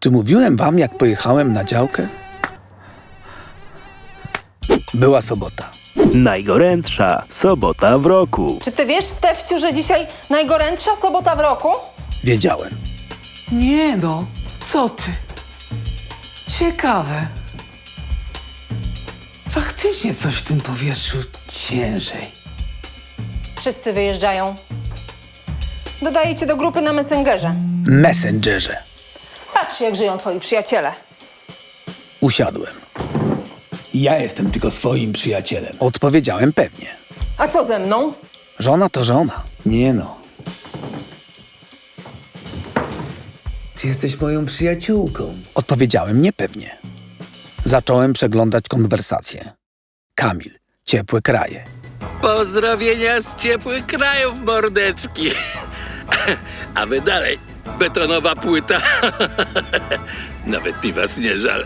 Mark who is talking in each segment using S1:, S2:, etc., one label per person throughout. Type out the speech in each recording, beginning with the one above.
S1: Czy mówiłem wam, jak pojechałem na działkę? Była sobota.
S2: Najgorętsza sobota w roku.
S3: Czy ty wiesz, Stefciu, że dzisiaj najgorętsza sobota w roku?
S1: Wiedziałem.
S4: Nie no, co ty? Ciekawe. Faktycznie coś w tym powietrzu ciężej.
S3: Wszyscy wyjeżdżają. Dodaję cię do grupy na Messengerze.
S1: Messengerze.
S3: Patrz, jak żyją twoi przyjaciele.
S1: Usiadłem.
S4: Ja jestem tylko swoim przyjacielem.
S1: Odpowiedziałem pewnie.
S3: A co ze mną?
S1: Żona to żona.
S4: Nie no. Ty jesteś moją przyjaciółką.
S1: Odpowiedziałem niepewnie. Zacząłem przeglądać konwersację. Kamil, ciepłe kraje.
S5: Pozdrowienia z ciepłych krajów, mordeczki. A wy dalej, betonowa płyta. Nawet mi was nie żal.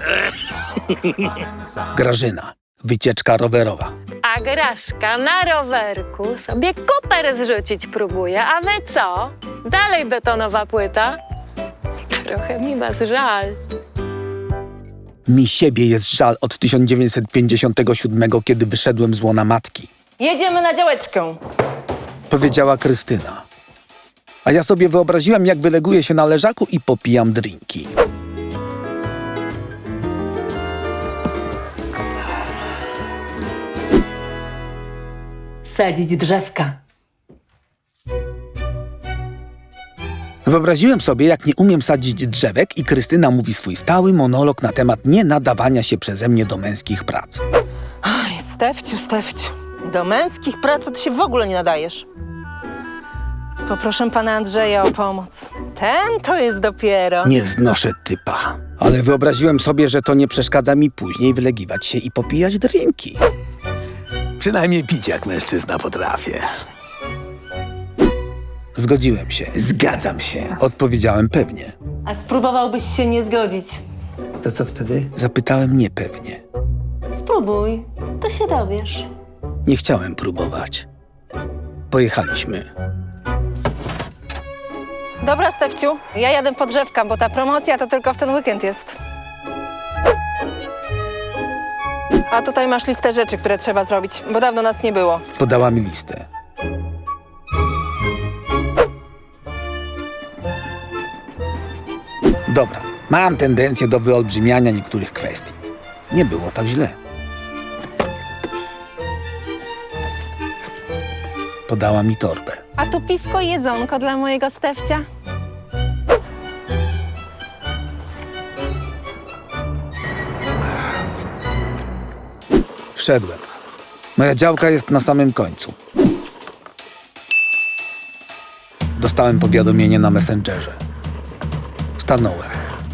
S1: Grażyna, wycieczka rowerowa.
S6: A Graszka na rowerku sobie kuper zrzucić próbuje. A wy co? Dalej betonowa płyta? Trochę mi was żal.
S1: Mi siebie jest żal od 1957, kiedy wyszedłem z łona matki.
S3: Jedziemy na działeczkę.
S1: Powiedziała Krystyna. A ja sobie wyobraziłem, jak wyleguję się na leżaku i popijam drinki.
S3: Sadzić drzewka.
S1: Wyobraziłem sobie, jak nie umiem sadzić drzewek i Krystyna mówi swój stały monolog na temat nienadawania się przeze mnie do męskich prac.
S3: Oj, Stefciu. Do męskich prac to ty się w ogóle nie nadajesz. Poproszę pana Andrzeja o pomoc. Ten to jest dopiero.
S1: Nie znoszę typa. Ale wyobraziłem sobie, że to nie przeszkadza mi później wylegiwać się i popijać drinki.
S4: Przynajmniej pić jak mężczyzna potrafię.
S1: Zgodziłem się.
S4: Zgadzam się.
S1: Odpowiedziałem pewnie.
S3: A spróbowałbyś się nie zgodzić?
S4: To co wtedy?
S1: Zapytałem niepewnie.
S3: Spróbuj, to się dowiesz.
S1: Nie chciałem próbować. Pojechaliśmy.
S3: Dobra, Stefciu, ja jadę po drzewka, bo ta promocja to tylko w ten weekend jest. A tutaj masz listę rzeczy, które trzeba zrobić, bo dawno nas nie było.
S1: Podała mi listę. Dobra, mam tendencję do wyolbrzymiania niektórych kwestii. Nie było tak źle. Podała mi torbę.
S3: A tu piwko i jedzonko dla mojego Stefcia.
S1: Wszedłem. Moja działka jest na samym końcu. Dostałem powiadomienie na Messengerze. Stanąłem.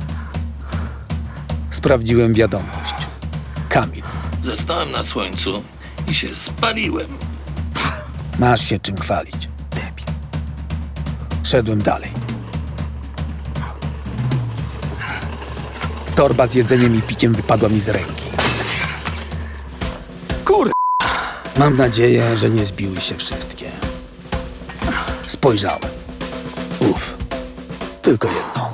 S1: Sprawdziłem wiadomość. Kamil,
S5: Zostałem na słońcu i się spaliłem.
S1: masz się czym chwalić. Szedłem dalej. Torba z jedzeniem i piciem wypadła mi z ręki. Mam nadzieję, że nie zbiły się wszystkie. Spojrzałem. Tylko jedno.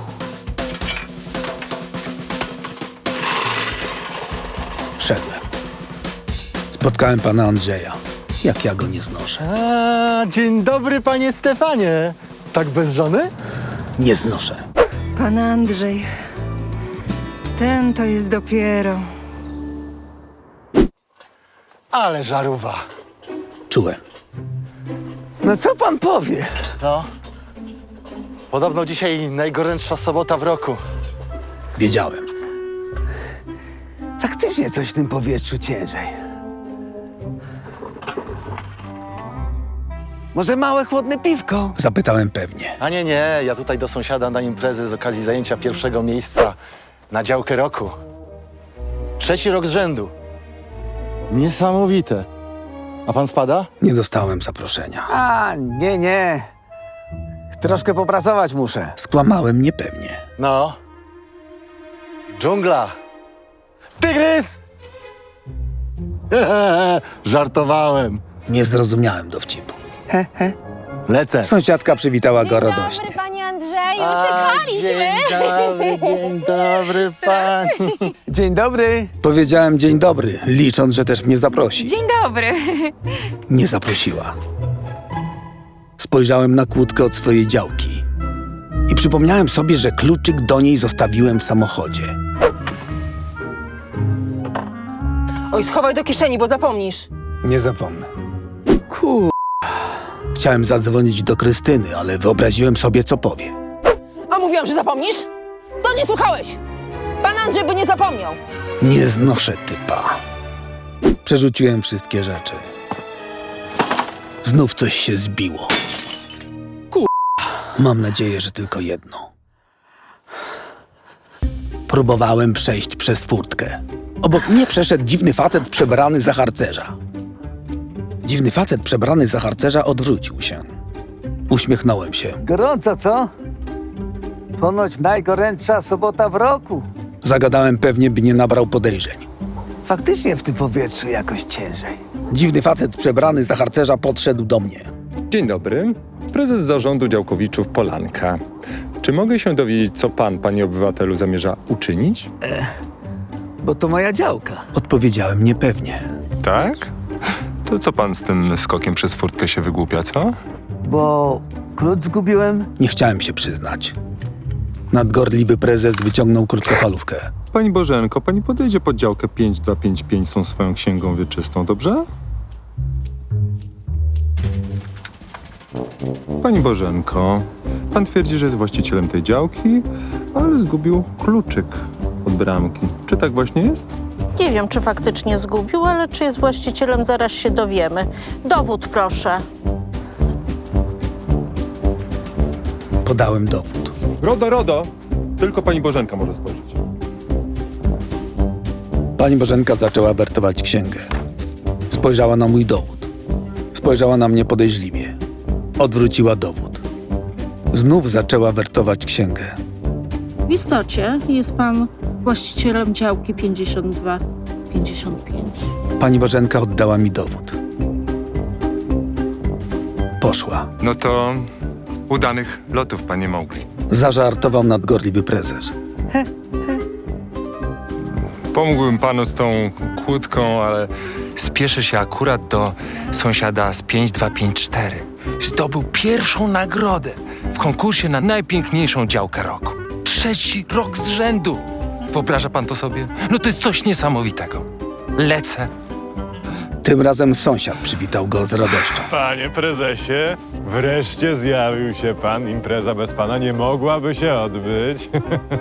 S1: Szedłem. Spotkałem pana Andrzeja. Jak ja go nie znoszę.
S7: A, dzień dobry, panie Stefanie. Tak bez żony?
S1: Nie znoszę.
S3: Pan Andrzej, ten to jest dopiero.
S7: Ale żarówa.
S1: Czułem.
S4: No co pan powie?
S7: No. Podobno dzisiaj najgorętsza sobota w roku.
S1: Wiedziałem.
S4: Faktycznie coś w tym powietrzu ciężej. Może małe, chłodne piwko?
S1: Zapytałem pewnie.
S7: A nie, ja tutaj do sąsiada na imprezę z okazji zajęcia pierwszego miejsca na działkę roku. 3. rok z rzędu. Niesamowite. A pan wpada?
S1: Nie dostałem zaproszenia.
S4: A, nie. Troszkę popracować muszę.
S1: Skłamałem niepewnie.
S7: No. Dżungla. Tygrys!
S1: Nie zrozumiałem dowcipu.
S7: Lecę.
S1: Sąsiadka przywitała go radośnie.
S3: Panie Andrzeju, czekaliśmy!
S7: Dzień dobry pani.
S4: Dzień dobry.
S1: Powiedziałem dzień dobry, licząc, że też mnie zaprosi.
S8: Dzień dobry.
S1: Nie zaprosiła. Spojrzałem na kłódkę od swojej działki i przypomniałem sobie, że kluczyk do niej zostawiłem w samochodzie.
S3: Oj, schowaj do kieszeni, bo zapomnisz.
S1: Nie zapomnę. Chciałem zadzwonić do Krystyny, ale wyobraziłem sobie, co powie.
S3: A mówiłam, że zapomnisz? To nie słuchałeś! Pan Andrzej by nie zapomniał!
S1: Nie znoszę typa. Przerzuciłem wszystkie rzeczy. Znów coś się zbiło. Mam nadzieję, że tylko jedno. Próbowałem przejść przez furtkę. Obok mnie przeszedł dziwny facet przebrany za harcerza. Dziwny facet przebrany za harcerza odwrócił się. Uśmiechnąłem się.
S4: Gorąco, co? Ponoć najgorętsza sobota w roku.
S1: Zagadałem pewnie, by nie nabrał podejrzeń.
S4: Faktycznie w tym powietrzu jakoś ciężej.
S1: Dziwny facet przebrany za harcerza podszedł do mnie.
S9: Dzień dobry. Prezes zarządu działkowiczów Polanka. Czy mogę się dowiedzieć, co pan, panie obywatelu, zamierza uczynić?
S4: Bo to moja działka.
S1: Odpowiedziałem niepewnie.
S9: Tak? To co pan z tym skokiem przez furtkę się wygłupia, co?
S4: Bo klucz zgubiłem.
S1: Nie chciałem się przyznać. Nadgorliwy prezes wyciągnął krótkofalówkę.
S9: Pani Bożenko, pani podejdzie pod działkę 5255 z tą swoją księgą wieczystą, dobrze? Pani Bożenko, pan twierdzi, że jest właścicielem tej działki, ale zgubił kluczyk od bramki. Czy tak właśnie jest?
S10: Nie wiem, czy faktycznie zgubił, ale czy jest właścicielem, zaraz się dowiemy. Dowód, proszę.
S1: Podałem dowód.
S9: RODO! Tylko pani Bożenka może spojrzeć.
S1: Pani Bożenka zaczęła wertować księgę. Spojrzała na mój dowód. Spojrzała na mnie podejrzliwie. Odwróciła dowód. Znów zaczęła wertować księgę.
S11: W istocie jest pan właścicielem działki 52-55.
S1: Pani Bożenka oddała mi dowód. Poszła.
S9: No to udanych lotów, panie Mowgli.
S1: Zażartował nadgorliwy prezes.
S9: Pomógłbym panu z tą kłódką, ale spieszę się akurat do sąsiada z 5254. Zdobył pierwszą nagrodę w konkursie na najpiękniejszą działkę roku. 3. rok z rzędu. Wyobraża pan to sobie? No to jest coś niesamowitego. Lecę.
S1: Tym razem sąsiad przywitał go z radością.
S12: Panie prezesie, wreszcie zjawił się pan. Impreza bez pana nie mogłaby się odbyć.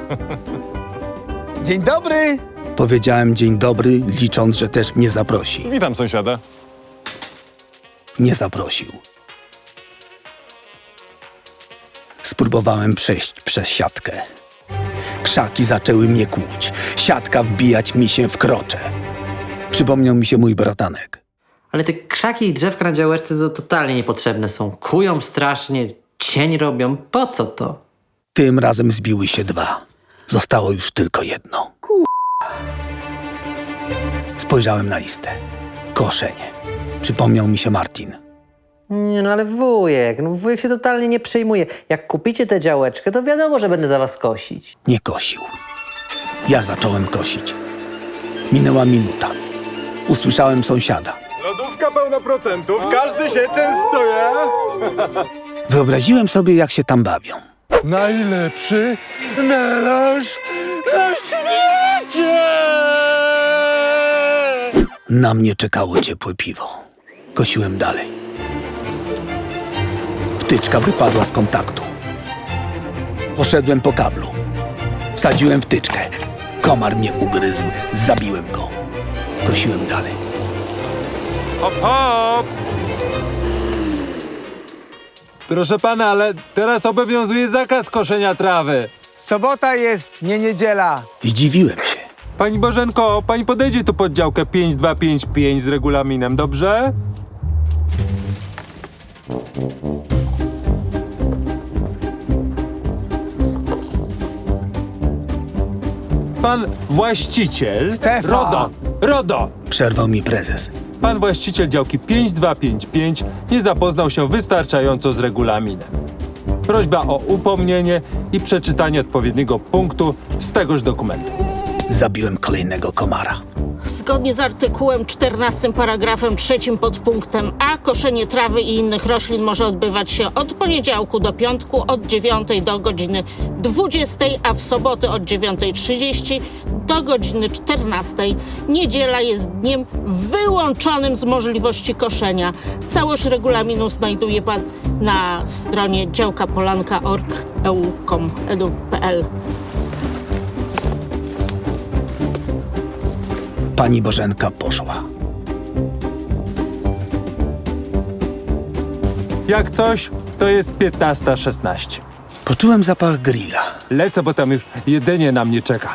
S4: Dzień dobry.
S1: Powiedziałem dzień dobry, licząc, że też mnie zaprosi.
S12: Witam sąsiada.
S1: Nie zaprosił. Spróbowałem przejść przez siatkę. Krzaki zaczęły mnie kłuć. Siatka wbijać mi się w krocze. Przypomniał mi się mój bratanek.
S13: Ale te krzaki i drzewka na działeczce to totalnie niepotrzebne są. Kują strasznie, cień robią. Po co to?
S1: Tym razem zbiły się dwa. Zostało już tylko jedno. Spojrzałem na listę. Koszenie. Przypomniał mi się Martin.
S13: Nie no ale wujek się totalnie nie przejmuje. Jak kupicie tę działeczkę, to wiadomo, że będę za was kosić.
S1: Nie kosił. Ja zacząłem kosić. Minęła minuta. Usłyszałem sąsiada.
S12: Lodówka pełna procentów, każdy się częstuje.
S1: Wyobraziłem sobie, jak się tam bawią.
S7: Najlepszy melarz na świecie!
S1: Na mnie czekało ciepłe piwo. Kosiłem dalej. Wtyczka wypadła z kontaktu. Poszedłem po kablu. Wsadziłem wtyczkę. Komar mnie ugryzł. Zabiłem go. Kosiłem dalej.
S12: Hop, hop! Proszę pana, ale teraz obowiązuje zakaz koszenia trawy.
S4: Sobota jest, nie niedziela.
S1: Zdziwiłem się.
S12: Pani Bożenko, pani podejdzie tu pod działkę 5255 z regulaminem, dobrze? Pan właściciel...
S4: Stefan!
S12: RODO!
S1: Przerwał mi prezes.
S12: Pan właściciel działki 5255 nie zapoznał się wystarczająco z regulaminem.
S9: Prośba o upomnienie i przeczytanie odpowiedniego punktu z tegoż dokumentu.
S1: Zabiłem kolejnego komara.
S10: Zgodnie z artykułem 14 paragrafem 3 podpunktem A koszenie trawy i innych roślin może odbywać się od poniedziałku do piątku od 9 do godziny 20, a w soboty od 9:30 do godziny 14. Niedziela jest dniem wyłączonym z możliwości koszenia. Całość regulaminu znajduje pan na stronie działkapolanka.org.eu.com.edu.pl.
S1: Pani Bożenka poszła.
S9: Jak coś, to jest 15:16.
S1: Poczułem zapach grilla.
S9: Lecę, bo tam już jedzenie na mnie czeka.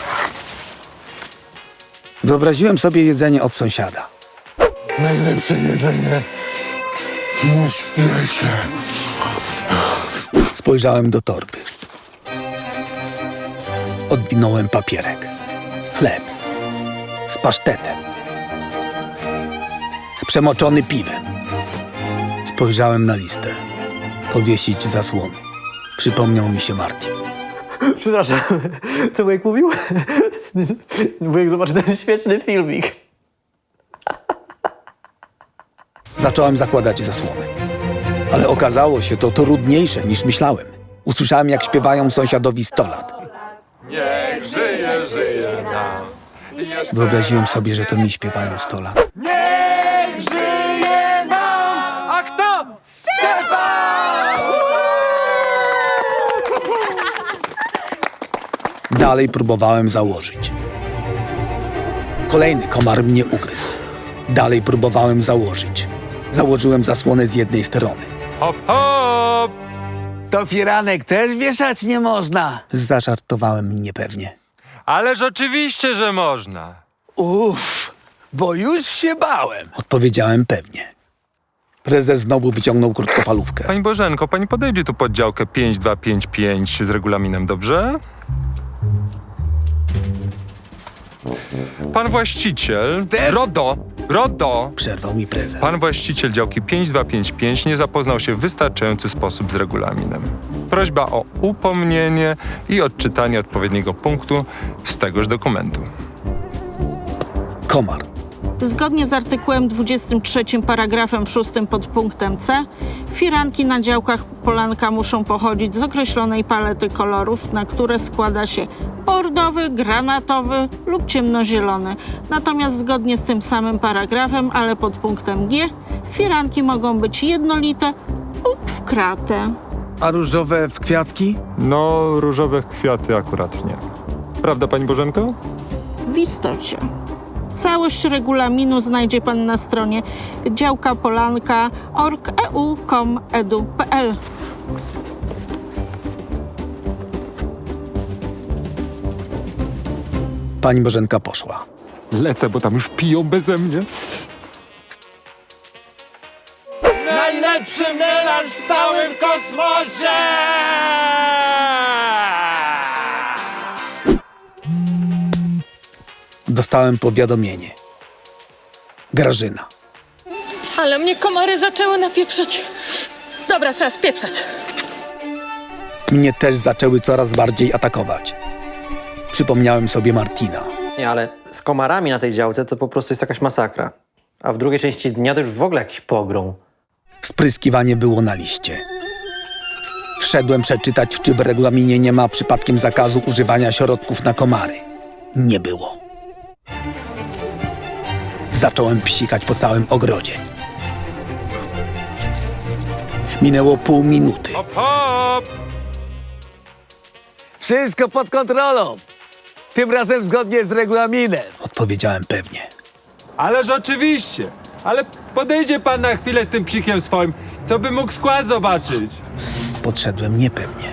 S1: Wyobraziłem sobie jedzenie od sąsiada.
S7: Najlepsze jedzenie na świecie.
S1: Spojrzałem do torby. Odwinąłem papierek. Chleb. Z pasztetem. Przemoczony piwem. Spojrzałem na listę. Powiesić zasłony. Przypomniał mi się Martin.
S13: Przepraszam, co wujek mówił? Wujek zobaczy ten śmieszny filmik.
S1: Zacząłem zakładać zasłony. Ale okazało się to trudniejsze niż myślałem. Usłyszałem, jak śpiewają sąsiadowi 100 lat.
S9: Niech żyje, żyje nam.
S1: Wyobraziłem sobie, że to mi śpiewają 100 lat.
S9: Niech żyje nam! A kto? Stefan!
S1: Dalej próbowałem założyć. Kolejny komar mnie ugryzł. Dalej próbowałem założyć. Założyłem zasłonę z jednej strony.
S9: Hop, hop!
S4: To firanek też wieszać nie można.
S1: Zażartowałem niepewnie.
S9: Ależ oczywiście, że można.
S4: Uff, bo już się bałem.
S1: Odpowiedziałem pewnie. Prezes znowu wyciągnął krótkofalówkę.
S9: Pani Bożenko, pani podejdzie tu pod działkę 5255 z regulaminem, dobrze? Pan właściciel... RODO!
S1: Przerwał mi prezes.
S9: Pan właściciel działki 5255 nie zapoznał się w wystarczający sposób z regulaminem. Prośba o upomnienie i odczytanie odpowiedniego punktu z tegoż dokumentu.
S1: Komar.
S10: Zgodnie z artykułem 23 paragrafem 6 podpunktem C firanki na działkach polanka muszą pochodzić z określonej palety kolorów, na które składa się bordowy, granatowy lub ciemnozielony. Natomiast zgodnie z tym samym paragrafem, ale pod punktem G, firanki mogą być jednolite lub w kratę.
S4: A różowe w kwiatki?
S9: No, różowe kwiaty akurat nie. Prawda, pani Bożenko?
S10: W istocie. Całość regulaminu znajdzie pan na stronie działkapolanka.org.eu.com.edu.pl.
S1: Pani Bożenka poszła.
S9: Lecę, bo tam już piją beze mnie.
S12: Najlepszy melanż w całym kosmosie!
S1: Dostałem powiadomienie. Grażyna.
S6: Ale mnie komary zaczęły napieprzać. Dobra, trzeba spieprzać.
S1: Mnie też zaczęły coraz bardziej atakować. Przypomniałem sobie Martina.
S13: Nie, ale z komarami na tej działce to po prostu jest jakaś masakra. A w drugiej części dnia to już w ogóle jakiś pogrom.
S1: Spryskiwanie było na liście. Wszedłem przeczytać, czy w regulaminie nie ma przypadkiem zakazu używania środków na komary. Nie było. Zacząłem psikać po całym ogrodzie. Minęło pół minuty.
S9: Hop, hop!
S4: Wszystko pod kontrolą. Tym razem zgodnie z regulaminem.
S1: Odpowiedziałem pewnie.
S9: Ależ oczywiście! Ale podejdzie pan na chwilę z tym psikiem swoim, co by mógł skład zobaczyć.
S1: Podszedłem niepewnie.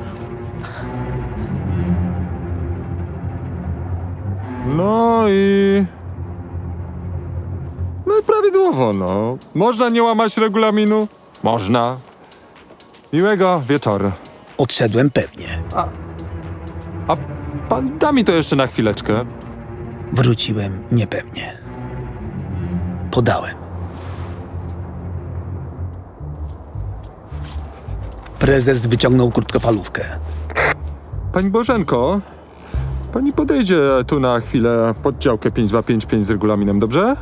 S9: No i prawidłowo, no. Można nie łamać regulaminu? Można. Miłego wieczoru.
S1: Odszedłem pewnie.
S9: A pan da mi to jeszcze na chwileczkę.
S1: Wróciłem niepewnie. Podałem. Prezes wyciągnął krótkofalówkę.
S12: Pani Bożenko, pani podejdzie tu na chwilę pod działkę 5255 z regulaminem, dobrze?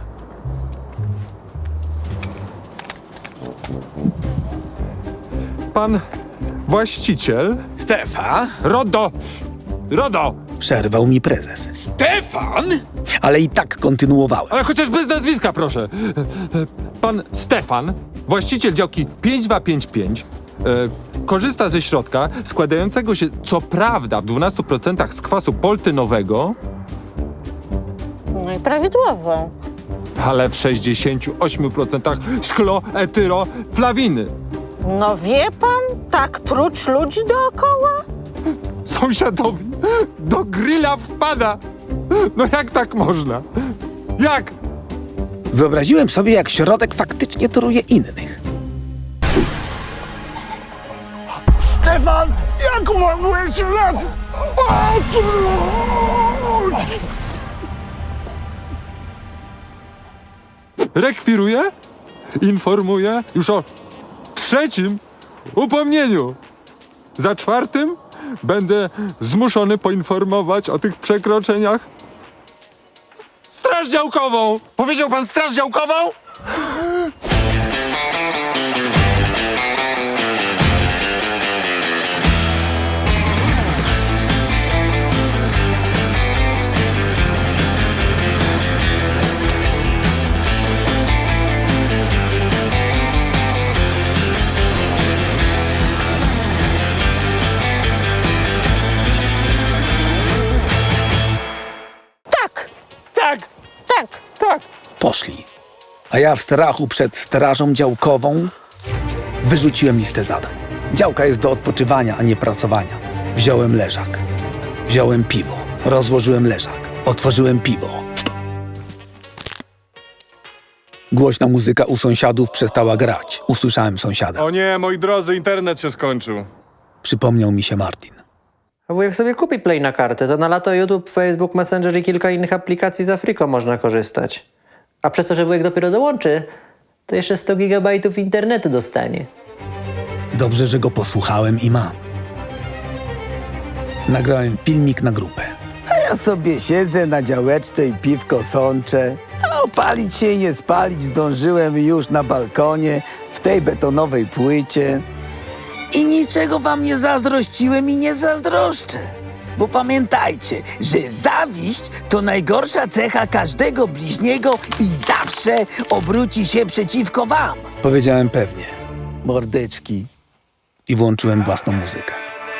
S12: Pan właściciel...
S1: Stefan?
S12: RODO!
S1: Przerwał mi prezes. Stefan? Ale i tak kontynuowałem.
S12: Ale chociaż bez nazwiska, proszę. Pan Stefan, właściciel działki 5255, korzysta ze środka składającego się, co prawda, w 12% z kwasu poltynowego,
S10: No i prawidłowo.
S12: ale w 68% z chloetyroflawiny.
S10: No wie pan, tak truć ludzi dookoła?
S12: Sąsiadowi do grilla wpada. No jak tak można? Jak?
S1: Wyobraziłem sobie, jak środek faktycznie toruje innych.
S12: Stefan, jak mogłeś nas otruć? Rekwiruję, informuję już o 3. upomnieniu. Za 4 będę zmuszony poinformować o tych przekroczeniach Straż Działkową. Powiedział pan Straż Działkową?
S10: Tak.
S1: Poszli. A ja w strachu przed strażą działkową wyrzuciłem listę zadań. Działka jest do odpoczywania, a nie pracowania. Wziąłem leżak. Wziąłem piwo. Rozłożyłem leżak. Otworzyłem piwo. Głośna muzyka u sąsiadów przestała grać. Usłyszałem sąsiada.
S12: O nie, moi drodzy, internet się skończył.
S1: Przypomniał mi się Martin.
S13: A wujek sobie kupi Play na kartę, to na lato YouTube, Facebook, Messenger i kilka innych aplikacji z Afriko można korzystać. A przez to, że wujek dopiero dołączy, to jeszcze 100 gigabajtów internetu dostanie.
S1: Dobrze, że go posłuchałem i mam. Nagrałem filmik na grupę.
S4: A ja sobie siedzę na działeczce i piwko sączę. A opalić się i nie spalić zdążyłem już na balkonie, w tej betonowej płycie. I niczego wam nie zazdrościłem i nie zazdroszczę. Bo pamiętajcie, że zawiść to najgorsza cecha każdego bliźniego i zawsze obróci się przeciwko wam.
S1: Powiedziałem pewnie
S4: Mordeczki.
S1: i włączyłem własną muzykę.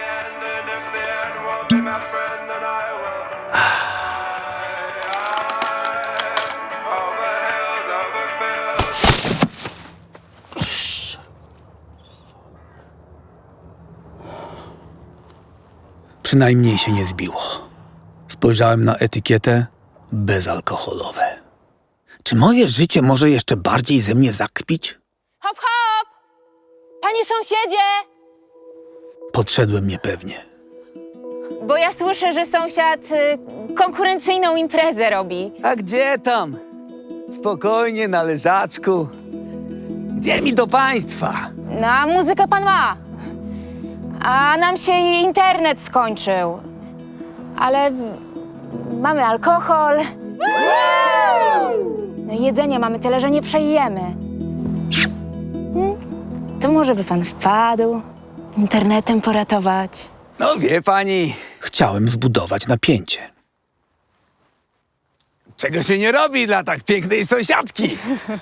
S1: Przynajmniej się nie zbiło. Spojrzałem na etykietę bezalkoholowe. Czy moje życie może jeszcze bardziej ze mnie zakpić?
S6: Hop, hop! Panie sąsiedzie!
S1: Podszedłem niepewnie.
S6: Bo ja słyszę, że sąsiad konkurencyjną imprezę robi.
S4: A gdzie tam? Spokojnie, na leżaczku. Gdzie mi do państwa?
S6: No, a muzykę pan ma. A nam się internet skończył. Ale mamy alkohol. No i jedzenie mamy tyle, że nie przejemy. To może by pan wpadł, internetem poratować.
S4: No wie pani,
S1: Chciałem zbudować napięcie.
S4: czego się nie robi dla tak pięknej sąsiadki.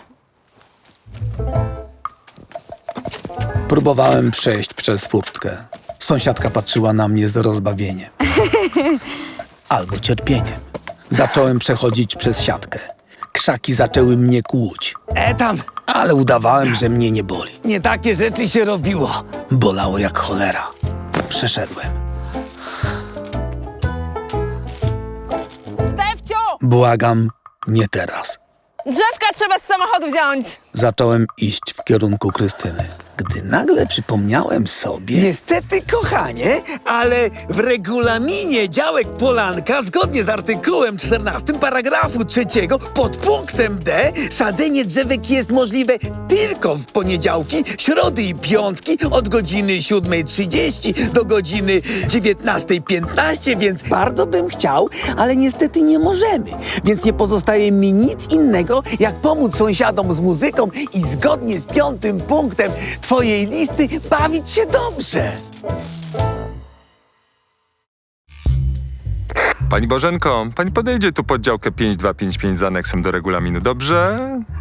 S1: Próbowałem przejść przez furtkę. Sąsiadka patrzyła na mnie z rozbawieniem. Albo cierpieniem. Zacząłem przechodzić przez siatkę. Krzaki zaczęły mnie kłuć,
S4: Tam,
S1: ale udawałem, że mnie nie boli.
S4: nie takie rzeczy się robiło.
S1: Bolało jak cholera. Przeszedłem.
S6: Stefciu!
S1: Błagam, nie teraz.
S6: Drzewka trzeba z samochodu wziąć.
S1: Zacząłem iść w kierunku Krystyny, gdy nagle przypomniałem sobie...
S4: Niestety, kochanie, ale w regulaminie działek Polanka, zgodnie z artykułem 14 paragrafu 3 podpunktem D, sadzenie drzewek jest możliwe tylko w poniedziałki, środy i piątki od godziny 7:30 do godziny 19:15, więc bardzo bym chciał, ale niestety nie możemy. Więc nie pozostaje mi nic innego, jak pomóc sąsiadom z muzyką i zgodnie z 5. punktem twojej listy bawić się dobrze.
S12: Pani Bożenko, pani podejdzie tu pod działkę 5255 z aneksem do regulaminu, dobrze?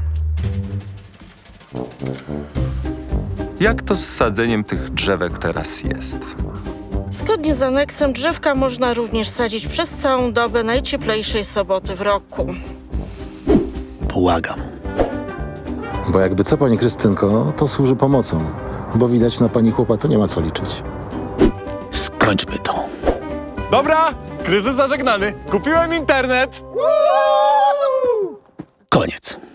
S12: Jak to z sadzeniem tych drzewek teraz jest?
S10: Zgodnie z aneksem drzewka można również sadzić przez całą dobę najcieplejszej soboty w roku.
S1: Błagam.
S7: Bo jakby co, pani Krystynko, to służy pomocą. Bo widać, na pani chłopa to nie ma co liczyć.
S1: Skończmy to.
S12: Dobra, kryzys zażegnany. Kupiłem internet.
S1: Koniec.